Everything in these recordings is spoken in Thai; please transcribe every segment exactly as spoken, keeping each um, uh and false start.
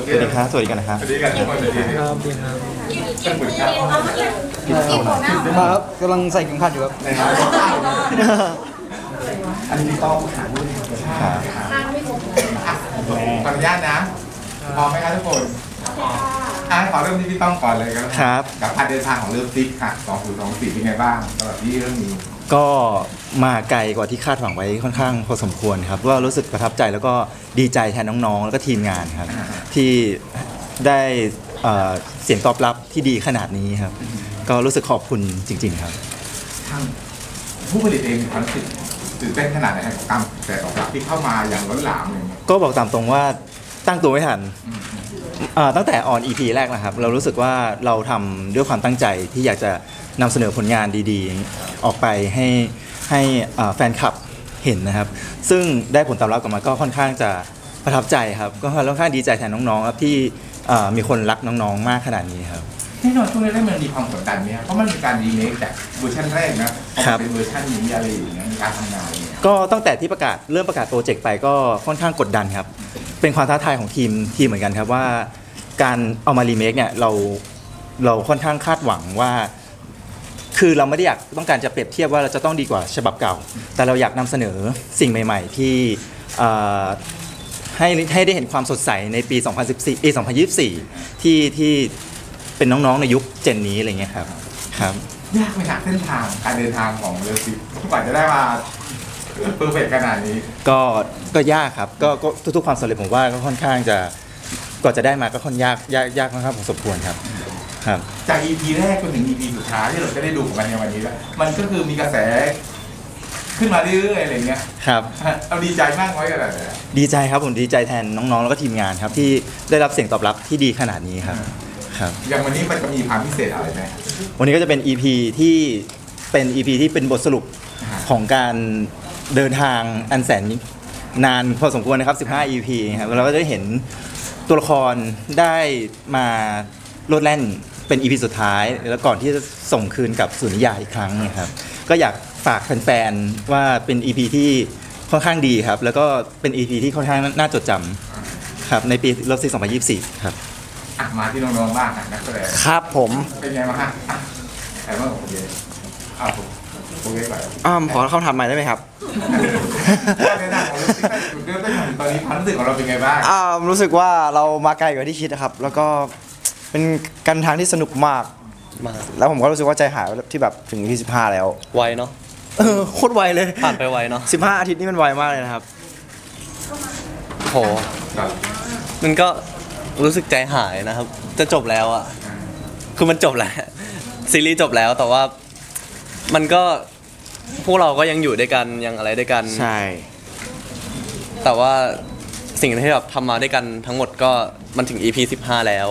สวัสดีครับสวัสดีกันนะครับสวัสดีกันทุกคนสวัสดีคครัรับบดีครับเป็นผลการมาครับกำลังใส่เข็มขัดอยู่ครับอันนี้ต้องหาด้วยครับขออนุญาตนะพร้อมไหมครับทุกคนอ่ะขอเริ่มที่พี่ต้องก่อนเลยครับครับกับการเดินทางของเริ่มซิกค่ะสองศูนย์สองสี่เป็นไงบ้างสำหรับที่เรื่องนี้ก็มาไกลกว่าที่คาดหวังไว้ค่อนข้างพอสมควรครับว่ารู้สึกประทับใจแล้วก็ดีใจแทนน้องๆ แล้วก็ทีมงานครับ ที่ได้เอ่อเสียงตอบรับที่ดีขนาดนี้ครับ ก็รู้สึกขอบคุณจริงๆครับทางผู้ผลิตเองมีความรู้สึกตื่นเต้นขนาดไหนกับการแต่ตอบรับที่เข้ามาอย่างล้นหลามเลยก็บอกตามตรงว่าตั้งตัวไม่ทันเอ่อตั้งแต่ออน อี พี แรกนะครับ เรารู้สึกว่าเราทำด้วยความตั้งใจที่อยากจะนำเสนอผลงานดีๆ ออกไปให้ให้เอ่อแฟนคลับเห็นนะครับ ซึ่งได้ผลตอบรับกลับมาก็ค่อนข้างจะประทับใจครับ ก็ค่อนข้างดีใจแทนน้องๆครับที่เอ่อมีคนรักน้องๆ มากขนาดนี้ครับแน่นอนช่วงแรกๆมันมีความกดดันเนี่ยเพราะมันมีการรีเมคจากเวอร์ชันแรกนะพอครัมาบเป็นเวอร์ชันนี้อะไรอย่างเงี้ยมีการทำงานเนี่ยก็ตั้งแต่ที่ประกาศเริ่มประกาศโปรเจกต์ไปก็ค่อนข้างกดดันครับ เป็นความท้าทายของทีมทีมเหมือนกันครับว่าการเอามารีเมคเนี่ยเราเราค่อนข้างคาดหวังว่า คือเราไม่ได้อยากต้องการจะเปรียบเทียบว่าเราจะต้องดีกว่าฉบับเก่า แต่เราอยากนำเสนอสิ่งใหม่ๆที่เอ่อให้ให้ได้เห็นความสดใสในปี สองพันสิบสี่ ปี สองพันยี่สิบสี่ ที่ที่เป็นน้องๆในยุคเจนนี้อะไรเงี้ยครับครับยากไหมฮะเส้นทางการเดินทางของเรือซิกกว่าจะได้มาเพอร์เฟกขนาดนี้ก็ก็ยากครับก็ก็ทุกๆความสำเร็จผมว่าก็ค่อนข้างจะกว่าจะได้มาก็ค่อนยากยากยากค่อนข้างพอสมควรครับครับจาก อี พี แรกจนถึง อี พี สุดท้ายที่เราจะได้ดูของมันในวันนี้แล้วมันก็คือมีกระแส ขึ้นมาเรื่อยๆอะไรเงี้ยครับเราดีใจมากน้อยขนาดไหนดีใจครับผมดีใจแทนน้องๆ แล้วก็ทีมงานครับที่ได้รับเสียงตอบรับที่ดีขนาดนี้ครับครับอย่างวันนี้มันจะมีความพิเศษอะไรไหมวันนี้ก็จะเป็น อี พี ที่เป็น อี พี ที่เป็นบทสรุปของการเดินทางอันแสนนานพอสมควรนะครับสิบห้า อี พี ครับเราก็จะได้เห็นตัวละครได้มาโลดแล่นเป็น อี พี สุดท้าย แล้วก่อนที่จะส่งคืนกับสุนิยายอีกครั้งนะครับก็อยากฝากแฟนๆว่าเป็น อี พี ที่ค่อนข้างดีครับแล้วก็เป็น อี พี ที่ค่อนข้างน่าจดจำครับในปีรอบซีสองพันยี่สิบสี่ครับอ่ะมาที่น้องๆบ้างอ่ะนักแสดงครับผมเป็นไงบ้างฮะอ่ะใครบ้างของผมเยอ้าวผมผมเยก่อนอ้ามขอคำถามใหม่ได้ไหมครับการเดินทางของเรือซิกตั้งแต่จุดเริ่มต้นถึงตอนนี้ความรู้สึกของเราเป็นไงบ้างอ้ามรู้สึกว่าเรามาไกลกว่าที่คิดนะครับ แล้วก็เป็นการทางที่สนุกมากมากแล้วผมก็รู้สึกว่าใจหายที่แบบถึงที่สิบห้าแล้วไวเนาะเออโคตรไวเลยผ่านไปไวเนาะสิบห้าอาทิตย์นี่มันไวมากเลยนะครับโหมันก็รู้สึกใจหายนะครับ จะจบแล้วอะคือมันจบแล้วซีรีส์จบแล้วแต่ว่ามันก็พวกเราก็ยังอยู่ด้วยกันยังอะไรด้วยกันใช่แต่ว่าสิ่งที่แบบทำมาด้วยกันทั้งหมดก็มันถึง อี พี สิบห้าแล้ว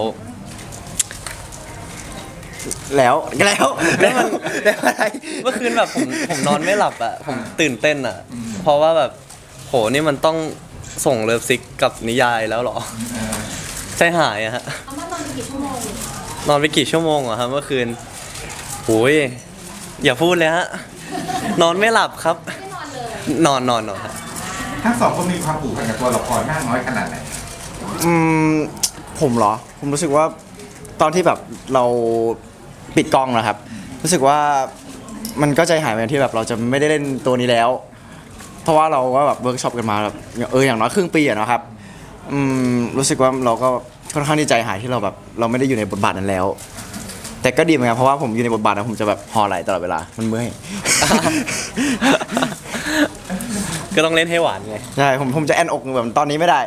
แล้วแล้วแล้วมันแล้วอะไรเมื่อคืนแบบผมผมนอนไม่หลับอะผมตื่นเต้นอะเพราะว่าแบบโหนี่มันต้องส่งเลิฟซิกกับนิยายแล้วเหรอใจหายอะฮะเอามานอนกี่ชั่วโมงนอนไปกี่ชั่วโมงอะครับเมื่อคืนโอ้ยอย่าพูดเลยฮะ นอนไม่หลับครับไม่นอนเลยนอนนอนนอนครับทั้งสองคนมีความผูกพันกับตัวละครมากน้อยขนาดไหนอืมผมเหรอ ผมรู้สึกว่าตอนที่แบบเราปิดกล้องนะครับ รู้สึกว่ามันก็ใจหายเหมือนที่แบบเราจะไม่ได้เล่นตัวนี้แล้ว เพราะว่าเราก็แบบเวิร์กช็อปกันมาแบบเอออย่างน้อยครึ่งปีอะนะครับอืมรู้สึกว่าเราก็ค่อนข้างที่ใจหายที่เราแบบเราไม่ได้อยู่ในบทบาทนั้นแล้ว แต่ก็ดีเหมือนกันเพราะว่าผมอยู่ในบทบาทนะผมจะแบบห่อไหลตลอดเวลามันเมื่อยก็ต้องเล่นให้หวานไงใช่ผมผมจะแอนอกแบบตอนนี้ไม่ได้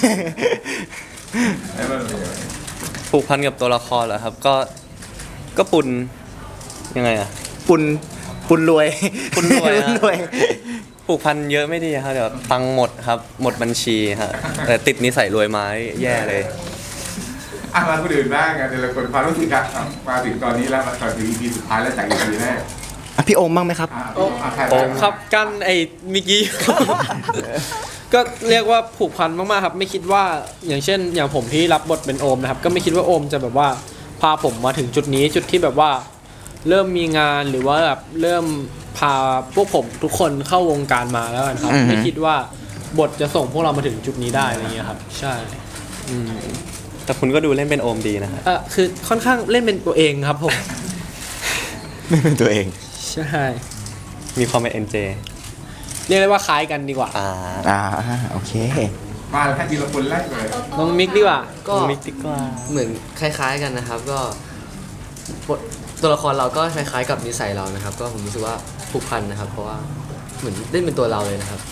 ผูกพันกับตัวละครเหรอครับ ก็ก็ปุนยังไงอะปุนปุนรวยปุนรวยฮะปุนรวยผูกพันเยอะไม่ดีครับเดี๋ยวตังค์หมดครับ หมดบัญชีฮะแต่ติดนิสัยรวยไม้แย่เลยอ่ะมาคนอื่นบ้างไงแต่ละคนความรู้สึกครับมาถึงตอนนี้แล้วมาถึง อี พี สุดท้ายแล้วจาก อี พี แรกอ่ะพี่โอมบ้างไหมครับอ่ะอ่ะใครโอบ้างมครับกันไอ้เมิกี้ ก็เรียกว่าผูกพันมากๆครับไม่คิดว่าอย่างเช่น อย่างผมที่รับบทเป็นโอมนะครับก็ไม่คิดว่าโอมจะแบบว่าพาผมมาถึงจุดนี้จุดที่แบบว่าเริ่มมีงานหรือว่าแบบเริ่มพาพวกผมทุกคนเข้าวงการมาแล้วกันครับอือฮึไม่คิดว่าบทจะส่งพวกเรามาถึงจุดนี้ได้อะไรเงี้ยครับใช่อืมแต่คุณก็ดูเล่นเป็นโอมดีนะฮะเออคือค่อนข้างเล่นเป็นตัวเองครับผมไม่เป็นตัวเองใช่มีความเป็นเอ็นเจเรียกได้ว่าคล้ายกันดีกว่าอ่าอ่าโอเคมาแล้วทีละคนแรกเลยน้องมิกดีกว่าก็มิกดีกว่าเหมือนคล้ายๆกันนะครับ ก็บทตัวละครเราก็คล้ายๆกับนิสัยเรานะครับ ก็ผมรู้สึกว่าผูกพันนะครับ เพราะว่าเหมือนเล่นเป็นตัวเราเลยนะครับ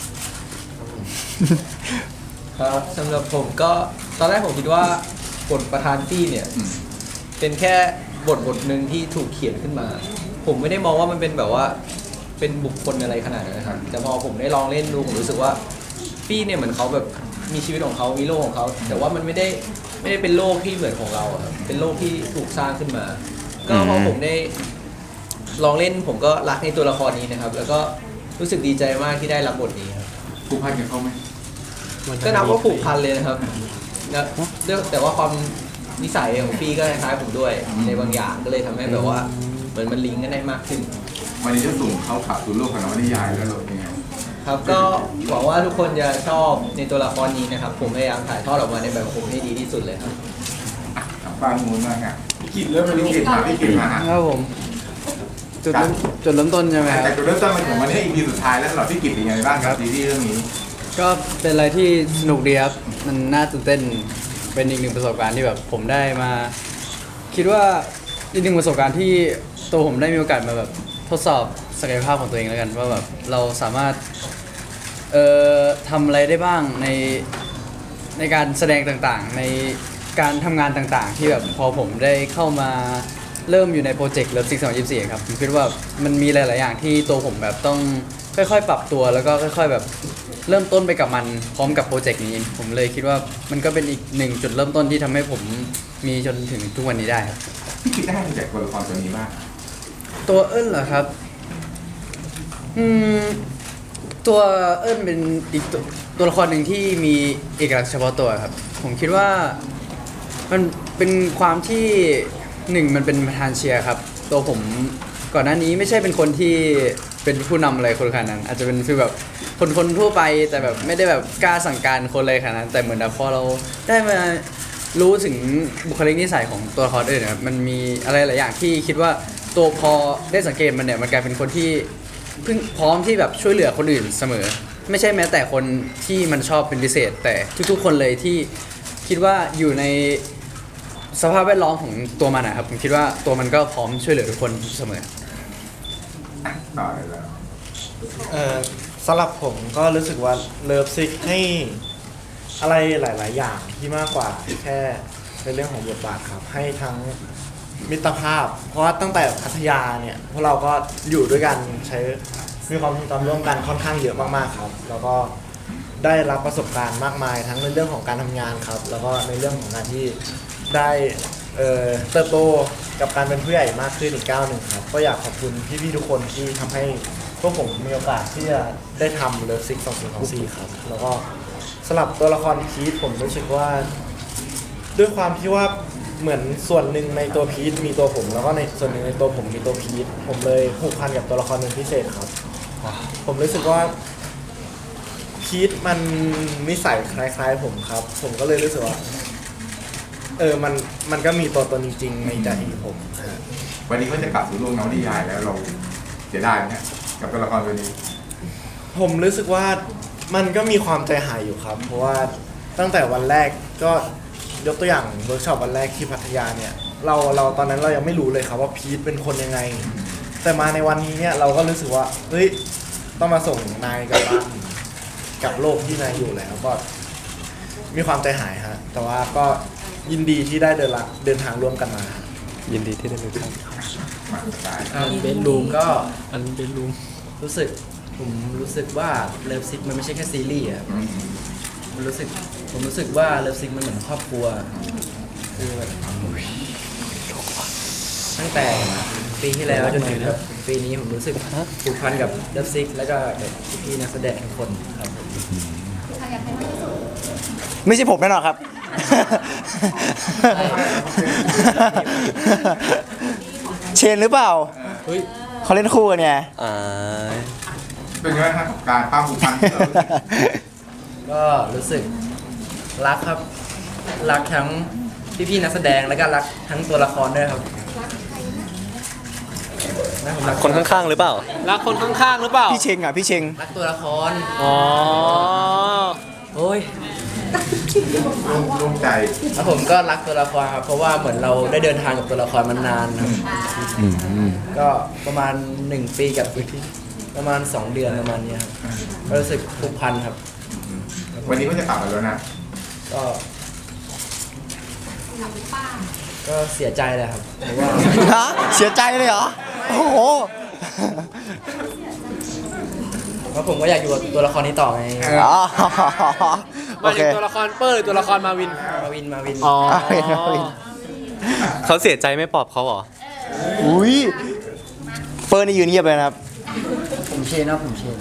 ครับสำหรับผมก็ตอนแรกผมคิดว่าบทประธานตี้เนี่ยอืมเป็นแค่บทบทหนึ่งที่ถูกเขียนขึ้นมา ผมไม่ได้มองว่ามันเป็นแบบว่าเป็นบุคคลอะไรขนาดนั้นนะครับแต่พอผมได้ลองเล่นดูผมรู้สึกว่าปี้เนี่ยเหมือนเขาแบบมีชีวิตของเขามีโลกของเขาแต่ว่ามันไม่ได้ไม่ได้เป็นโลกที่เหมือนของเราอะครับเป็นโลกที่ถูกสร้างขึ้นมา ก็พอผมได้ลองเล่นผมก็รักในตัวละครนี้นะครับ แล้วก็รู้สึกดีใจมากที่ได้รับบทนี้ครับผูกพันกับเขาไหมก็นับว่าผูกพันเลยนะครับนะเรื่องแต่ว่าความนิสัยของพี่ก็คล้ายๆผมด้วยในบางอย่างก็เลยทำให้แบบว่าเหมือนมันลิงก์กันได้มากขึ้นวันนี้จะส่งเขาขับสู่โลกของนวนิยายแล้วหรือยังไงครับก็หวังว่าทุกคนจะชอบในตัวละครนี้นะครับ ผมพยายามถ่ายทอดออกมาในแบบของผมให้ดีที่สุดเลยครับอ่ะฟังมูลมากอ่ะพี่กินเริ่มพี่กินมาพี่กินมาฮะครับผมจุดเริ่มจุดเริ่มต้นใช่ไหมครับแต่จุดเริ่มต้นมาถึงวันนี้ อี พี สุดท้ายแล้วสำหรับพี่กินเป็นยังไงบ้างครับซีรีส์เรื่องนี้ก็เป็นอะไรที่สนุกดีครับ มันน่าตื่นเต้นเป็นอีกหนึ่งประสบการณ์ที่แบบผมได้มา คิดว่าอีกหนึ่งประสบการณ์ที่ตัวผมได้มีโอกาสมาแบบทดสอบศักยภาพของตัวเองแล้วกันว่าแบบเราสามารถเอ่อทำอะไรได้บ้างในในการแสดงต่างๆ ในการทำงานต่างๆ ที่แบบพอผมได้เข้ามาเริ่มอยู่ในโปรเจกต์เลิฟซิกสองยี่สี่ครับผมคิดว่ามันมีหลาย ๆ อย่างที่ตัวผมแบบต้องค่อยๆ ปรับตัวแล้วก็ค่อย ๆ แบบเริ่มต้นไปกับมันพร้อมกับโปรเจกต์นี้ ผมเลยคิดว่ามันก็เป็นอีกหนึ่งจุดเริ่มต้นที่ทำให้ผมมีจนถึงทุกวันนี้ได้ครับพี่กินได้มาจากตัวละครตัวนี้บ้างตัวเอิ้นเหรอครับ อืม ตัวเอิ้นเป็นอีกตัวตัวละครหนึ่งที่มีเอกลักษณ์เฉพาะตัวครับ ผมคิดว่ามันเป็นความที่หนึ่งมันเป็นประธานเชียร์ครับ ตัวผมก่อนหน้านี้ไม่ใช่เป็นคนที่เป็นผู้นำอะไรคนขนาดนั้น อาจจะเป็นฟีลแบบคนคนทั่วไปแต่แบบไม่ได้แบบกล้าสั่งการคนเลยขนาดนั้น แต่เหมือนแบบพอเราได้มารู้ถึงบุคลิกนิสัยของตัวละครอื่นนะครับมันมีอะไรหลายอย่างที่คิดว่าตัวพอได้สังเกตมันเนี่ยมันกลายเป็นคนที่เพิ่งพร้อมที่แบบช่วยเหลือคนอื่นเสมอ ไม่ใช่แม้แต่คนที่มันชอบเป็นพิเศษ แต่ทุกๆ คนเลยที่คิดว่าอยู่ในสภาพแวดล้อมของตัวมันนะครับผมคิดว่าตัวมันก็พร้อมช่วยเหลือทุกคนเสมออ่ะต่อเลยแล้วเอ่อสำหรับผมก็รู้สึกว่าเลิฟซิกให้อะไรหลาย ๆ อย่างที่มากกว่าแค่ในเรื่องของบทบาทครับ ให้ทั้งมิตรภาพ เพราะว่าตั้งแต่พัทยาเนี่ยพวกเราก็อยู่ด้วยกันใช้มีความทรงจำร่วมกันค่อนข้างเยอะมาก ๆ ครับ แล้วก็ได้รับประสบการณ์มากมาย ทั้งในเรื่องของการทำงานครับ แล้วก็ในเรื่องของการที่ได้เอ่อเติบโตกับการเป็นผู้ใหญ่มากขึ้นอีกก้าวหนึ่งครับ ก็อยากขอบคุณพี่ ๆ ทุกคนที่ทำให้พวกผมมีโอกาสที่จะได้ทำเลิฟซิกสองศูนย์สองสี่ครับ แล้วก็สำหรับตัวละครพีทผมรู้สึกว่า ด้วยความที่ว่าเหมือนส่วนหนึ่งในตัวพีทมีตัวผม แล้วก็ในส่วนหนึ่งในตัวผมมีตัวพีทผมเลยผูกพันกับตัวละครเป็นพิเศษครับ ผมรู้สึกว่าพีทมันนิสัยคล้ายๆผมครับ ผมก็เลยรู้สึกว่าเออมันมันก็มีตัวตนจริงๆในใจผมฮะวันนี้ก็จะกลับสู่โลกนวนิยายแล้วเราเสียดายไหมฮะกับตัวละครตัวนี้ผมรู้สึกว่ามันก็มีความใจหายอยู่ครับ เพราะว่าตั้งแต่วันแรกก็ยกตัวอย่างเวิร์กช็อปวันแรกที่พัทยาเนี่ย เราเราตอนนั้นเรายังไม่รู้เลยครับว่าพีทเป็นคนยังไง แต่มาในวันนี้เนี่ยเราก็รู้สึกว่าเฮ้ยต้องมาส่งนายกลับบ้านกับโลกที่นายอยู่แล้วก็มีความใจหายฮะแต่ว่าก็ยินดีที่ได้เดินละเดินทางร่วมกันมายินดีที่ได้รู้จักมาสุดท้ายอันเบนรูมก็อันเป็นรูมรู้สึกผมรู้สึกว่าเลิฟซิกมันไม่ใช่แค่ซีรีส์อะมันรู้สึกผมรู้สึกว่าเลิฟซิกมันเหมือนครอบครัวคือแบบตั้งแต่ปีที่แล้วจนถึงแบบปีนี้ผมรู้สึกผูกพันกับเลิฟซิกแล้วก็แบบพี่ๆนักแสดงทุกคนครับผมไม่ใช่ผมแน่นอนครับ เชนหรือเปล่าเขาเล่นคู่กันไงอ่าเป็นยังไงครับกับการความผูกพันที่เรารู้สึกก็รู้สึกรักครับรักทั้งพี่ๆนักแสดงแล้วก็รักทั้งตัวละครด้วยครับนะผมรักคนข้างๆหรือเปล่ารักคนข้างๆหรือเปล่าพี่เชงอ่ะพี่เชงรักตัวละครอ๋อโอ้ยร่วมใจแล้วผมก็รักตัวละครครับเพราะว่าเหมือนเราได้เดินทางกับตัวละครมานานครับก็ประมาณหนึ่งปีกับอีกประมาณสองเดือนประมาณเนี้ยครับก็รู้สึกผูกพันครับวันนี้ก็จะกลับมาแล้วนะก็ก็เสียใจเลยครับเพราะว่าฮะเสียใจเลยเหรอ โอ้โหเพราะผมก็อยากอยู่กับตัวละครนี้ต่อไงอ๋อมาโอถึเคงตัวละครเปอร์หรือตัวละครมาวินมาวินมาวินอ๋อมาวินมาวินเขาเสียใจไม่ปลอบเขาเหรออุ้ยเปิร์นี่ยืนเงียบเลยนะครับผมเชนนะผมเชน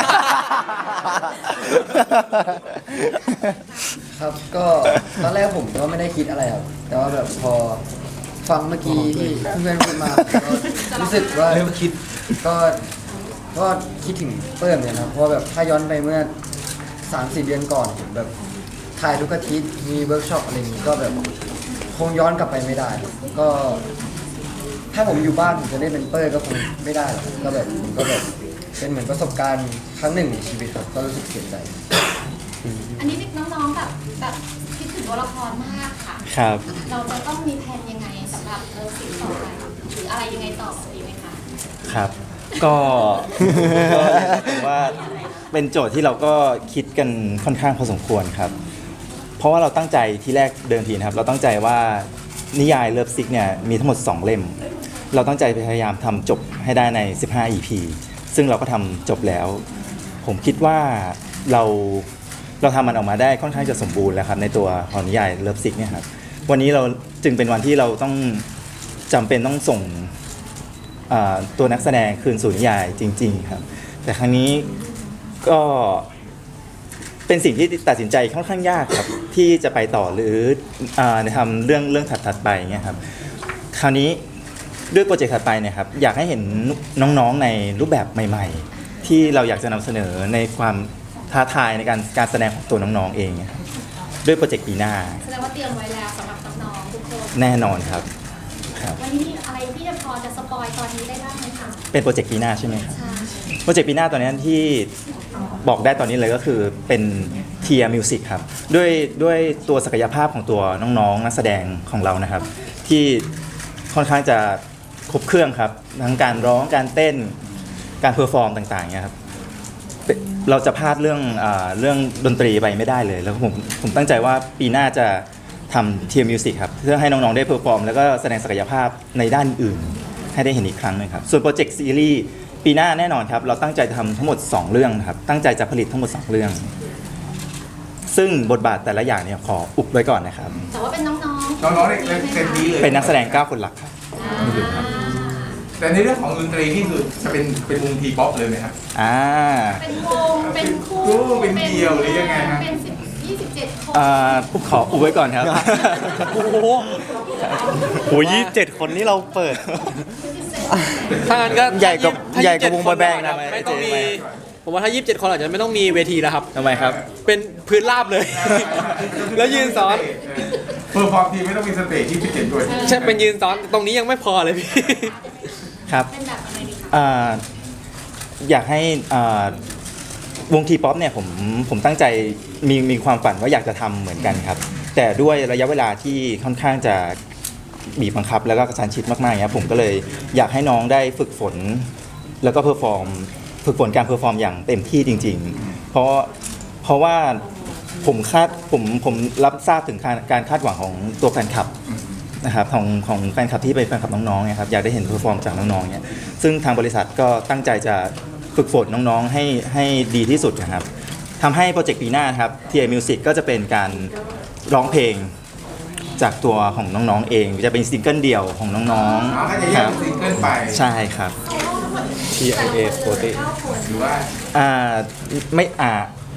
ครับก็ตอนแรกผมก็ไม่ได้คิดอะไรครับแต่ว่าแบบพอฟังเมื่อกี้ที่เพื่อนพูดมาก็รู้สึกว่าเริ่มคิดก็ก็คิดถึงเปิ้ลเนี่ยนะเพราะว่าแบบถ้าย้อนไปเมื่อสามสี่เดือนก่อนผมแบบถ่ายทุกอาทิตย์มีเวิร์กช็อปอะไรอย่างนี้ก็แบบคงย้อนกลับไปไม่ได้ก็ ถ้าผมอยู่บ้านผมจะได้เป็นเปิ้ลก็คงไม่ได้หรอกก็แบบผมก็แบบเป็นเหมือนประสบการณ์ครั้งหนึ่งในชีวิตครับก็รู้สึกเสียใจอันนี้น้องๆแบบแบบคิดถึงตัวละครมากค่ะครับเราจะต้องมีแผนยังไงสำหรับเออสิ่งต่อไปหรืออะไรยังไงต่อดีไหมคะครับ ก็ ก็ผมว่าเป็นโจทย์ที่เราก็คิดกันค่อนข้างพอสมควรครับ เพราะว่าเราตั้งใจที่แรกเดิมทีนะครับ เราตั้งใจว่านิยายเลิฟซิกเนี่ยมีทั้งหมดสองเล่ม เราตั้งใจพยายามทำจบให้ได้ในสิบห้า อี พี ซึ่งเราก็ทำจบแล้ว ผมคิดว่าเราเราทำมันออกมาได้ค่อนข้างจะสมบูรณ์แล้วครับในตัวของนิยายเลิฟซิกเนี่ยครับวันนี้เราจึงเป็นวันที่เราต้องจำเป็นต้องส่งอ่าตัวนักแสดงคืนสู่นิยายจริง ๆ ครับ แต่ครั้งนี้ก็เป็นสิ่งที่ตัดสินใจค่อนข้างยากครับที่จะไปต่อหรืออาทำเรื่องเรื่องถัดๆไปเงี้ยครับคราวนี้ด้วยโปรเจกต์ถัดไปเนี่ยครับอยากให้เห็นน้องๆในรูปแบบใหม่ ๆ ที่เราอยากจะนำเสนอในความท้าทายในการการแสดงของตัวน้องๆเองครับด้วยโปรเจกต์ปีหน้าแสดงว่าเตรียมไว้แล้วสำหรับน้องๆทุกคนแน่นอนครับครับวันนี้มีอะไรที่จะพอจะสปอยตอนนี้ได้บ้างไหมคะเป็นโปรเจกต์ปีหน้าใช่ไหมครับใช่โปรเจกต์ปีหน้าตอนนี้ที่บอกได้ตอนนี้เลยก็คือเป็นเทียมิวสิกครับด้วยด้วยตัวศักยภาพของตัวน้องๆนักแสดงของเรานะครับ ที่ค่อนข้างจะครบเครื่องครับทั้งการร้องการเต้นการเพอร์ฟอร์มต่างๆเนี่ยครับเป็นเราจะพลาดเรื่องอาเรื่องดนตรีไปไม่ได้เลย แล้วผมผมตั้งใจว่าปีหน้าจะทำเทียมิวสิกครับเพื่อให้น้องๆได้เพอร์ฟอร์มแล้วก็แสดงศักยภาพในด้านอื่นให้ได้เห็นอีกครั้งหนึงครับส่วนโปรเจกต์ซีรีส์ปีหน้าแน่นอนครับเราตั้งใจทำทั้งหมดสองเรื่องครับตั้งใจจะผลิตทั้งหมดสองเรื่อง ซึ่งบทบาทแต่ละอย่างเนี่ยขออุบไว้ก่อนนะครับแต่ว่าเป็นน้องๆน้องๆเนี่ยเต็มที่เลยเป็นนักแสดงเก้าคนหลักครับแต่ในเรื่องของดนตรีนี่คือจะเป็นเป็นวงทีป๊อปเลยไหมครับอ่าเป็นวงเป็นคู่คู่เป็นเดี่ยวหรือยังไงฮะเป็นสิบยี่สิบเจ็ดคนอ่าขออุบไว้ก่อนครับโอ้โหโหยี่สิบเจ็ดคนนี่เราเปิดถ้างั้นก็ใหญ่กว่าถ้าใหญ่กว่ายี่วสิงบเจ็ด boy band นะไม่ต้องมีไม่ผมว่าถ้ายี่สิบเจ็ดคนอาจจะไม่ต้องมีเวทีแล้วครับทำไมครับเป็นพื้นราบเลย แล้วยืนซ้อนเพื่อความทีไม่ต้องมีสเตจที่พิเศษด้วยใช่เป็นยืนซ้อนตรงนี้ยังไม่พอเลยพี่ครับเป็นแบบยังไงดีคะอ่าอยากให้อ่าวงทีป๊อปเนี่ยผมผมตั้งใจมีมีความฝันว่าอยากจะทำเหมือนกันครับ แต่ด้วยระยะเวลาที่ค่อนข้างจะบีบบังคับ แล้วก็กระชั้นชิดมากๆอย่างเงี้ยผมก็เลยอยากให้น้องได้ฝึกฝน แล้วก็เพอร์ฟอร์มฝึกฝนการเพอร์ฟอร์มอย่างเต็มที่จริง ๆ เพราะเพราะว่าผมคาดผมผมรับทราบถึงการการคาดหวังของตัวแฟนคลับนะครับของของแฟนคลับที่เป็นแฟนคลับน้องๆเนี่ยครับอยากได้เห็นเพอร์ฟอร์มจากน้องๆเนี่ยซึ่งทางบริษัทก็ตั้งใจจะฝึกฝนน้องๆให้ให้ดีที่สุดนะครับทำให้โปรเจกต์ปีหน้าครับ ที เอ Music ก็จะเป็นการร้องเพลงจากตัวของน้องๆเองจะเป็นซิงเกิลเดี่ยวของน้องอ๋อก็จะๆแยคกรับเป็นซิงเกิลไปใช่ครับ ที ไอ เอ ปกติหรือว่าอ่าไม่อ่า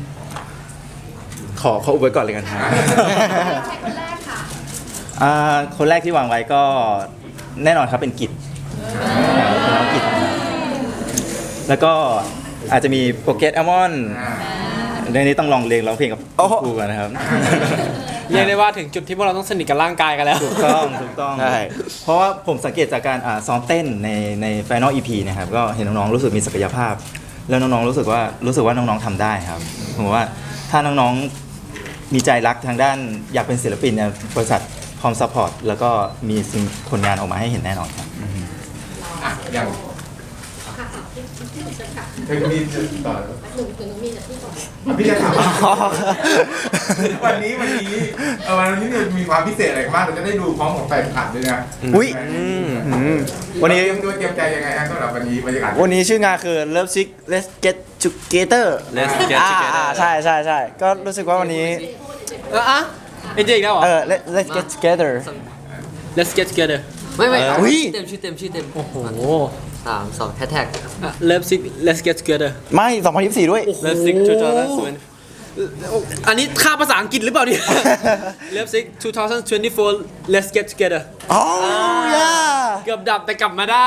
ขอขออุบไว้ก่อนเลยกันครับใครคนแรกค่ะอ่าคนแรกที่วางไว้ก็แน่นอนครับเป็นกิจเป็นน้องกิจนะครับแล้วก็อาจจะมีโปรเกตแอลมอนอ่าเรื่องนี้ต้องลองเรียนร้องเพลงกับโอ้โหครูก่อนนะครับเรียกได้ว่าถึงจุดที่พวกเราต้องสนิทกับร่างกายกันแล้วถูกต้องถูกต้องใช่เพราะว่าผมสังเกตจากการอ่าซ้อมเต้นในใน Final อี พี นะครับก็เห็นน้องๆรู้สึกมีศักยภาพ แล้วน้องๆรู้สึกว่ารู้สึกว่าน้องๆทำได้ครับผมว่าถ้าน้องๆมีใจรักทางด้านอยากเป็นศิลปินเนี่ยบริษัทพร้อมซัพพอร์ตแล้วก็มีสิ่งผลงานออกมาให้เห็นแน่นอนครับอ่ะอย่างค่ะที่ที่หนูจะกลับเฮ้ยมีต่อหนูหนูมีแต่ที่ก่อนพี่จะถามวันนี้วันนี้เออวันนี้เนี่ยมีความพิเศษอะไรบ้างเราจะได้ดูพร้อมกับแฟนคลับด้วยนะอุ๊ยอืมอืมวัวัน นนี้นี้เตรียมตัวเตรียมใจยังไงฮะสำหรับวันนี้บรรยากาศวันนี้ชื่องานคือ Love Sick Let's Get Together Let's Get อ่า Together อ่าใช่ใช่ใช่ก็รู้สึกว่าวันนี้เอออะเอ็นเจอีกแล้วเหรอเออ Let- Let's Get Together Let's get together ไม่ไม่เออเอาอุ๊ยชื่อเต็มชื่อเต็มชื่อเต็มโอ้โหสามสองแฮชแท็กอ่ะ Love Sick Let's get together ไม่สองพันยี่สิบสี่ด้วย Let's Sick ทู ทาวอันนี้ค่าภาษาอังกฤษหรือเปล่าเนี่ย Love Sick ทู ทาว ทเวนตี้โฟร์ Let's get together อ๋อ ย่าเกือบดับแต่กลับมาได้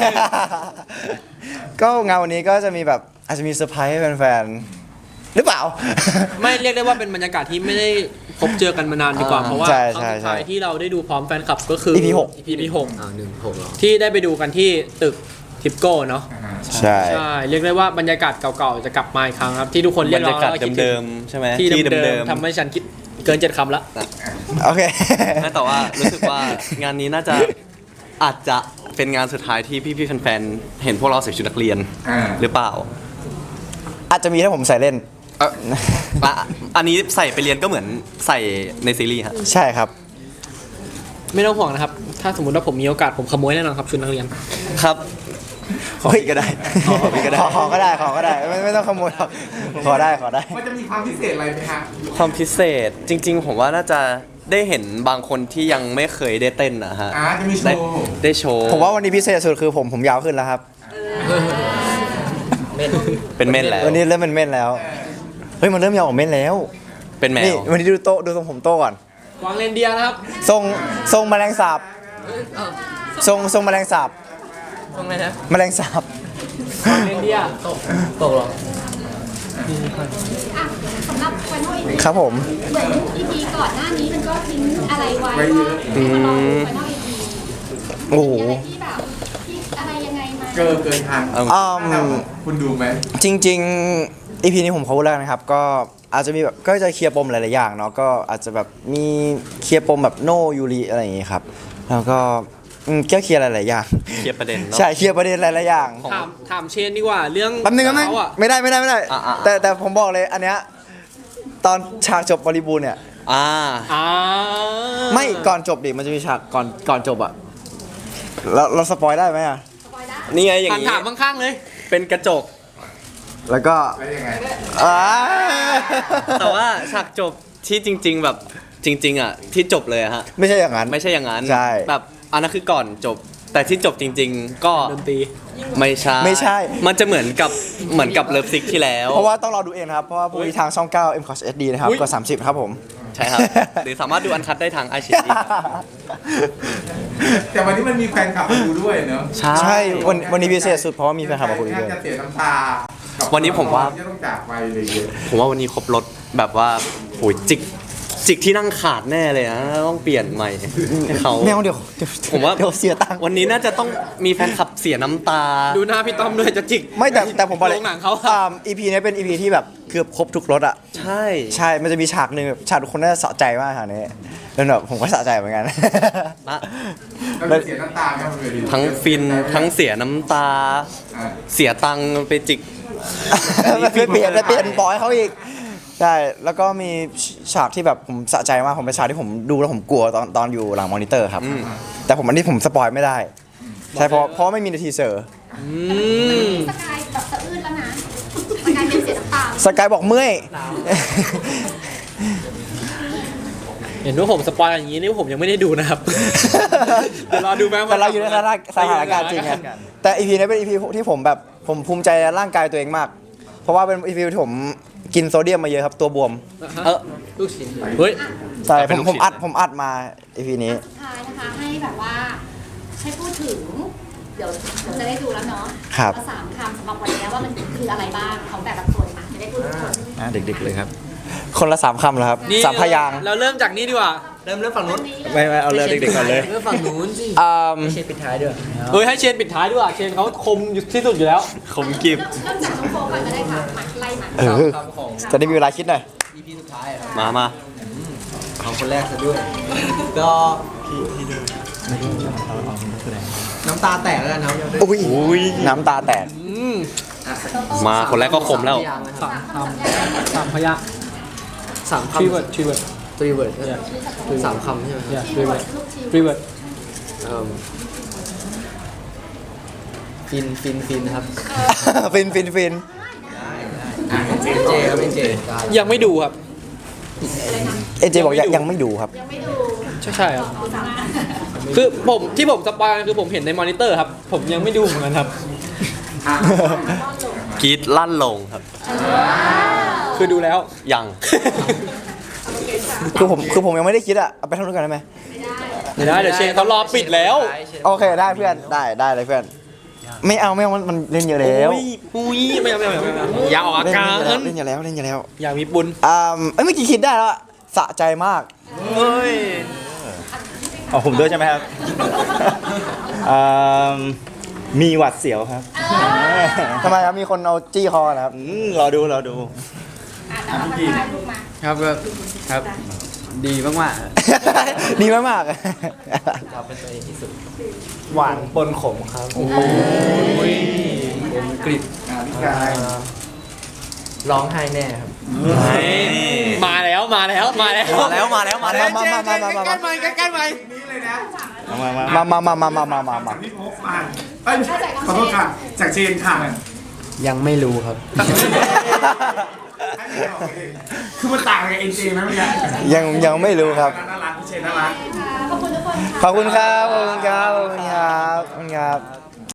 ก็งานวันนี้ก็จะมีแบบอาจจะมีเซอร์ไพรส์ให้แฟนๆหรือเปล่าไม่เรียกได้ว่าเป็นบรรยากาศที่ไม่ได้พบเจอกันมานานดีกว่าอ่าเพราะว่าใช่ครั้งใช่สุดท้ายใช่ที่เราได้ดูพร้อมแฟนคลับก็คืออี พี หกอี พี หกอ่าหนึ่งหกเหรอที่ได้ไปดูกันที่ตึกทิปโก้เนาะใช่ใช่ เรียกได้ว่าบรรยากาศเก่าๆ จะกลับมาอีกครั้งครับ ที่ทุกคนเรีบยรกรร้อยาง กาศแล้วก็คิดถึงเดิมๆใช่ไหมที่ที่เดิเดิมมๆทำให้ฉันคิดเกินเจ็ดคำละโอเคๆไม่แต่ว่ารู้สึกว่างานนี้น่าจะอาจจะเป็นงานสุดท้ายที่พี่ๆแฟนๆเห็นพวกเราใส่ชุดนักเรียนอ่าหรือเปล่าอาจจะมีถ้าผมใส่เล่นเอ่ออ่ะอันนี้ใส่ไปเรียนก็เหมือนใส่ในซีรีส์ฮะใช่ครับไม่ต้องห่วงนะครับ ถ้าสมมติว่าผมมีโอกาสผมขโมยแน่นอนครับชุดนักเรียนครับขอพี่ก็ได้ ขอพี่ก็ได้ ขอก็ได้ ขอก็ได้ ไม่ไม่ต้องขโมยหรอกขอได้ ขอได้มันจะมีความพิเศษอะไรไหมฮะความพิเศษจริง ๆ ผมว่าน่าจะได้เห็นบางคนที่ยังไม่เคยได้เต้นนะฮะอ่าจะมีโชได้ว์ได้โชว์ผมว่าวันนี้พิเศษสุดคือผมผมยาวขึ้นแล้วครับเป็นเม่นแล้ววันนี้เริ่มเป็นเม่นแล้ว เฮ้ยมันเริ่มยาวกว่าเม่นแล้วเป็นแมนี่ววันนี้ดูโตะดูทรงผมโตก่อนวางเรนเดียร์นะครับทรงทรงแมลงสาบ ทรงทรงแมลงสาบตรงไหนนะแมลงสาบวางเรนเดียร์ตกเหรออ่ะสำหรับไฟนอลอีครับผมเหมือนอีพีก่อนหน้านี้มันก็ทิ้งอะไรไว้ว่าให้มารอดูไฟนอลอีพีโอ้โหมีอะไรที่แบบที่อะไรยังไงไหมเกินเกินทางอืมคุณดูไหมจริงๆ อี พี นี้ผมเขาพูดแล้วนะครับ ก็อาจจะมีแบบก็จะเคลียร์ปมหลายๆอย่างเนาะก็อาจจะแบบมีเคลียร์ปมแบบโนยูริอะไรอย่างงี้ครับ แล้วก็อืมก็เคลียร์หลายๆอย่างเคลียร์ประเด็นเนาะใช่เคลียร์ประเด็นหลายๆอย่างถามถามเชนดีกว่าเรื่องแป๊บนึงแป๊บนึงเขาอะไม่ได้ไม่ได้ไม่ได้อ่ะอ่ะแต่แต่ผมบอกเลยอันเนี้ยตอนฉากจบบริบูรณ์เนี่ยอ่าอ่าไม่ก่อนจบดิมันจะมีฉากก่อนก่อนจบอะเราเราสปอยได้ไหมอะนี่ไงอย่างถามนี้ถามข้างๆเลยเป็นกระจกแล้วก็แล้วยังไงอ่าแต่ว่าฉากจบที่จริง ๆ แบบจริง ๆ อ่ะ ที่จบเลยอะฮะไม่ใช่อย่างนั้นไม่ใช่อย่างนั้นใช่แบบอันนั้นคือก่อนจบ แต่ที่จบจริง ๆ ก็ดนตรีไม่ใช่ไม่ใช่มันจะเหมือนกับเหมือนกับเลิฟซิกที่แล้วเพราะว่าต้องรอดูเองนะครับ เพราะว่าพรุ่งนี้ทางช่อง เก้า เอ็ม คอส เอช ดี นะครับอุ๊ยกดสามสิบครับผมใช่ครับ หรือสามารถดูอันคัดได้ทางไอชีแต่วันนี้มันมีแฟนคลับมาดูด้วยเนอะใช่ใช่วันวันนี้พิเศษสุดเพราะว่ามีแฟนคลับมาคุยด้วยจะเสียน้ำตากับวันนี้ผมว่าที่ต้องจากไปเลยเยอะผมว่าวันนี้ครบรถแบบว่าโอ้ยจิกจิกที่นั่งขาดแน่เลยนะต้องเปลี่ยนใหม่ให้เขาแมวเดี๋ยวเดี๋ยวผมว่าเดี๋ยวเสียตังค์วันนี้น่าจะต้องมีแฟนคลับเสียน้ำตาดูหน้าพี่ต้อมด้วยจะจิกไม่แต่แต่ผมบอกเลยโรงหนังเขาอ่า อี พี นี้เป็น อี พี ที่แบบเกือบครบทุกรสอ่ะใช่ใช่ มันจะมีฉากหนึ่งแบบฉากทุกคนน่าจะสะใจมากฉากนี้แล้วแบบผมก็สะใจเหมือนกันนะแล้วเสียน้ำตาไหมบนเวทีทั้งฟินทั้งเสียน้ำตาอ่าเสียตังค์ไปจิกไปเปลี่ยนไปเปลี่ยนปอยเขาอีกใช่แล้วก็มีฉากที่แบบผมสะใจมากผมเป็นฉากที่ผมดูแล้วผมกลัวตอนตอนอยู่หลังมอนิเตอร์ครับอืมแต่ผมอันนี้ผมสปอยไม่ได้ใช่เพราะเพราะไม่มีในทีเซอร์อืมสกายแบบสะอื้นแล้วนะสกายเป็นเสียน้ำตาสกายบอกเมื่อยเห็นว่าผมสปอยอย่างนี้นี่ผมยังไม่ได้ดูนะครับ เดี๋ยวรอดูแม้ว่าแต่เราอยู่ในสถานสถานการณ์จริงไงแต่อีพีนี้เป็นอีพีที่ผมแบบผมภูมิใจในร่างกายตัวเองมาก เพราะว่าเป็นอีพีที่ผมกินโซเดียมมาเยอะครับตัวบวมเออลูกชิ้นเฮ้ยใช่เป็ผนมลูกผมชิ้นอัดผมอัดมาอีพีนี้สุดท้ายนะคะให้แบบว่าให้พูดถึง เดี๋ยวเราจะได้ดูแล้วเนาะครับเอาสามคำสำหรับวันนี้ว่ามันคืออะไรบ้างของแต่ละคนอ่ะจะได้พูดทุกคนอ่ะเด็กๆเลยครับคนละสามคำเหรอครับนี่สามพยางค์เราเริ่มจากนี้ดีกว่าเริ่มเริ่มฝั่งนู้นไม่ไม่เอาเริ่มเด็กๆก่อนเลยเรื่องฝั่งนู้นสิอืมไม่ใช่ปิดท้ายด้วยเฮ้ยให้เชนปิดท้ายด้วยเชนเขาคมอยู่ที่สุดอยู่แล้วคมกิบเริ่มจากน้องโฟก่อนก็ได้ค่ะมาไล่มาเออคำของจะได้มีเวลาคิดหน่อยอีพีสุดท้ายอะมามาของคนแรกซะด้วย ก็น้ำตาแตกแล้วกันครับอุ้ยน้ำตาแตกอืมมาคนแรกก็คมแล้วสามพยางค์นะครับสามคำสามพยางค์สามคำทรีเวิร์ดทรีเวิร์ดตรีเวิร์ดสามคำใช่ไหมครับ yeah ทรีเวิร์ดทรีเวิร์ดเอิ่มฟินฟินฟินครับฟินฟินฟินเจเจครับเป็นเจยังไม่ดูครับเอเจบอกยังยังไม่ดูครับยังไม่ดูใช่ใช่ครับ คือผมที่ผมสปอยคือผมเห็นในมอนิเตอร์ครับ ผมยังไม่ดูเหมือนกันครับกรีดลั่นลงครับคือดูแล้วยังคือผมคือผมยังไม่ได้คิดอะเอาไปทำด้วยกันได้ไหมไม่ได้เดี๋ยวเชนเขารอปิดแล้วโอเคได้เพื่อนได้ได้เลยเพื่อน ไม่เอาไม่เอามันมันเล่นเยอะแล้วอุ้ยอุ้ยไม่เอาไม่เอาไม่เอาไม่เอาอย่าออกอาเล่นการเล่นเยอะแล้วเล่นเยอะแล้วอย่ามีบุญอ่าเอ้ยเมื่อกี้คิดได้แล้วอะสะใจมากเฮ้ยอ๋อผมด้วยใช่ไหมครับอืมมีหวัดเสียวครับทำไมครับมีคนเอาจี้คอนะครับอืมรอดูรอดูอ่ะแต่ว่ามันได้ลูกมาครับก็ครับดีมากดีมากมากเราเป็นตัวเองที่สุดหวานปนขมครับผมกริบอ่าพี่กายร้องไห้แน่ครับมาแล้วมาแล้วมาแล้วมาแล้วมาแล้วมาแล้วมามามามามามาใกล้ๆไหมนี่เลยนะมามามามามามามามามาจากพี่พกมาเอ้ยขอโทษค่ะจากเชนค่ะๆยังไม่รู้ครับให้เชนบอกเองคือมันต่างกับเอ็นเจไหมเมื่อกี้ยังยังไม่รู้ครับน่ารักพี่เชนน่ารักขอบคุณทุกคนค่ะขอบคุณครับ ขอบคุณครับ ขอบคุณครับ ขอบคุณครับ